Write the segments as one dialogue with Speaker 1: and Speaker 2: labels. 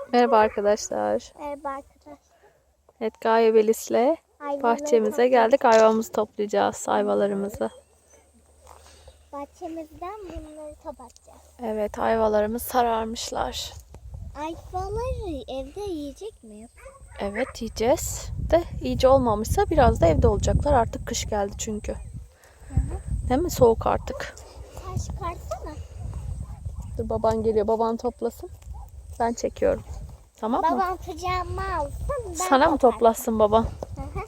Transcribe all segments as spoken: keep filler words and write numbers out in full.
Speaker 1: Merhaba arkadaşlar.
Speaker 2: Merhaba arkadaşlar.
Speaker 1: Evet, Gaye Belis'le
Speaker 2: Ayvaları
Speaker 1: bahçemize
Speaker 2: toplayacağız.
Speaker 1: geldik. Ayvamızı toplayacağız, ayvalarımızı.
Speaker 2: Bahçemizden bunları toplayacağız.
Speaker 1: Evet, ayvalarımız sararmışlar.
Speaker 2: Ayvaları evde yiyecek miyiz?
Speaker 1: Evet, yiyeceğiz. De iyice olmamışsa biraz da evde olacaklar. Artık kış geldi çünkü.
Speaker 2: Hı hı.
Speaker 1: Değil mi? Soğuk artık.
Speaker 2: Sen çıkarsana.
Speaker 1: Dur, baban geliyor. Baban toplasın. Ben çekiyorum. Tamam mı?
Speaker 2: Babam kucağıma alsın. Ben
Speaker 1: Sana mı
Speaker 2: toplarım.
Speaker 1: toplasın baban?
Speaker 2: Hı hı.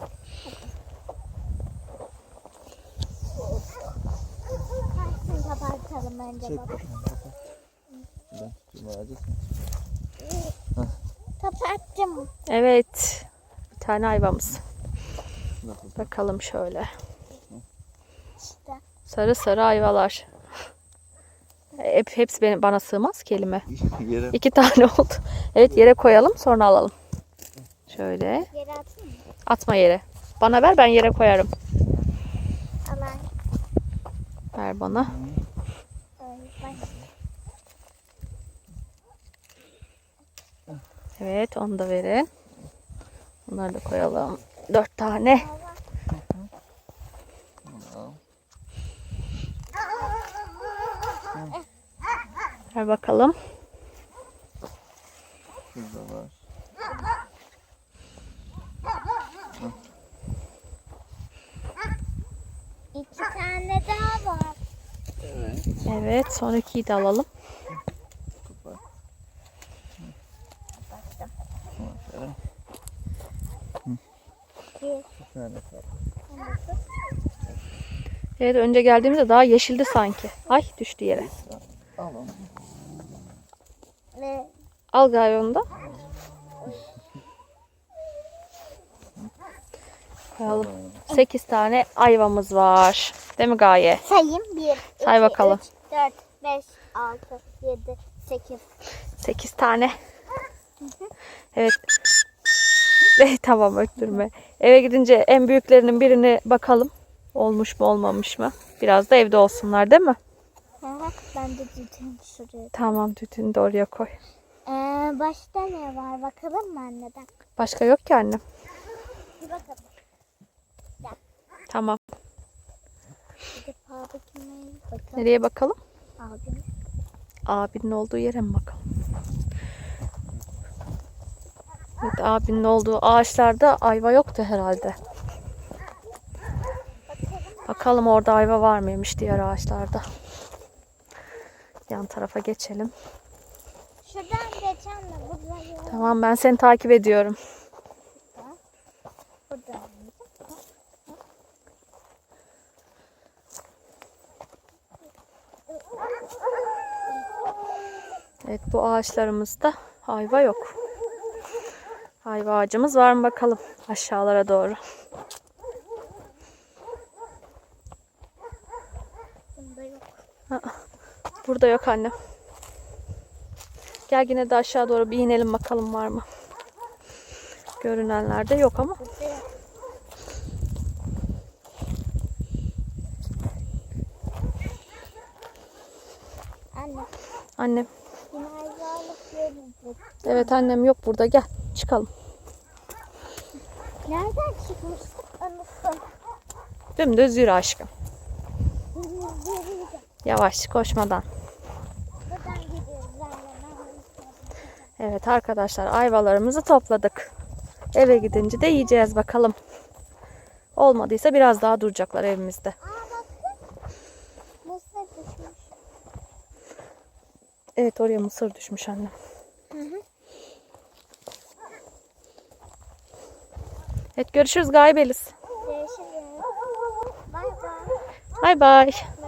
Speaker 2: Kaçsın kapatalım önce
Speaker 3: Çek
Speaker 2: baba.
Speaker 3: bakalım, kapat. Ben tutayım ağacı.
Speaker 2: Kapattım.
Speaker 1: Evet. Bir tane ayvamız.
Speaker 3: Nasıl?
Speaker 1: Bakalım şöyle.
Speaker 2: İşte.
Speaker 1: Sarı sarı ayvalar. Hep, hepsi benim, bana sığmaz ki elime.
Speaker 3: Yere.
Speaker 1: İki tane oldu. Evet, yere koyalım, sonra alalım. Şöyle.
Speaker 2: Yere atayım mı?
Speaker 1: Atma yere. Bana ver, ben yere koyarım.
Speaker 2: Alan.
Speaker 1: Ver bana.
Speaker 2: Ay,
Speaker 1: Evet, onu da verin. Bunları da koyalım. Dört tane. Ver bakalım.
Speaker 3: Şurada var.
Speaker 2: İki tane daha var.
Speaker 3: Evet.
Speaker 1: Evet, son ikiyi de alalım.
Speaker 3: Kapat.
Speaker 2: Baktım.
Speaker 3: Aferin.
Speaker 2: Bir.
Speaker 3: Bir tane kaldı.
Speaker 1: Evet, önce geldiğimizde daha yeşildi sanki. Ay, düştü yere.
Speaker 3: Al onu.
Speaker 2: Ve
Speaker 1: Al Gaye onu da. Koyalım. Sekiz tane ayvamız var. Değil mi Gaye?
Speaker 2: sayayım. Bir,
Speaker 1: Say
Speaker 2: iki,
Speaker 1: bakalım.
Speaker 2: üç, dört, beş, altı, yedi, sekiz.
Speaker 1: Sekiz tane. Evet. Eh, tamam, öttürme. Eve gidince en büyüklerinin birini bakalım. Olmuş mu olmamış mı? Biraz da evde olsunlar, değil mi?
Speaker 2: Ben de düdüğümü şuraya.
Speaker 1: Tamam, tütünü de oraya koy.
Speaker 2: Ee, başta ne var bakalım mı anneden?
Speaker 1: Başka yok ki annem.
Speaker 2: Bir bakalım.
Speaker 1: Tamam.
Speaker 2: Bir de babakine bakalım.
Speaker 1: Nereye bakalım?
Speaker 2: Abim.
Speaker 1: Abinin olduğu yere mi bakalım? Evet, abinin olduğu ağaçlarda ayva yoktu herhalde. Bakalım orada ayva var mıymış diğer ağaçlarda. Yan tarafa geçelim.
Speaker 2: Şuradan geçen de burada yok.
Speaker 1: Tamam, ben seni takip ediyorum.
Speaker 2: Burada.
Speaker 1: Evet, bu ağaçlarımızda ayva yok. Ayva ağacımız var mı bakalım aşağılara doğru.
Speaker 2: Bunda yok.
Speaker 1: Burada yok annem. Gel yine de aşağı doğru bir inelim bakalım var mı. Görünenlerde yok ama.
Speaker 2: Burada yok. Anne.
Speaker 1: Annem.
Speaker 2: Yine ayvalık görüntü.
Speaker 1: Evet annem yok burada, gel çıkalım.
Speaker 2: Nereden çıkmıştık? Unuttum.
Speaker 1: Dümdüz yürü aşkım.
Speaker 2: Yürüyeceğim.
Speaker 1: Yavaş, koşmadan.
Speaker 2: Buradan gidiyoruz anne.
Speaker 1: Evet arkadaşlar, ayvalarımızı topladık. Eve gidince de yiyeceğiz bakalım. Olmadıysa biraz daha duracaklar evimizde.
Speaker 2: Aa bakın. Mısır düşmüş.
Speaker 1: Evet, oraya mısır düşmüş annem.
Speaker 2: Hı hı.
Speaker 1: Evet, görüşürüz Gaye Belis.
Speaker 2: Görüşürüz. Bay bay.
Speaker 1: Bay bay.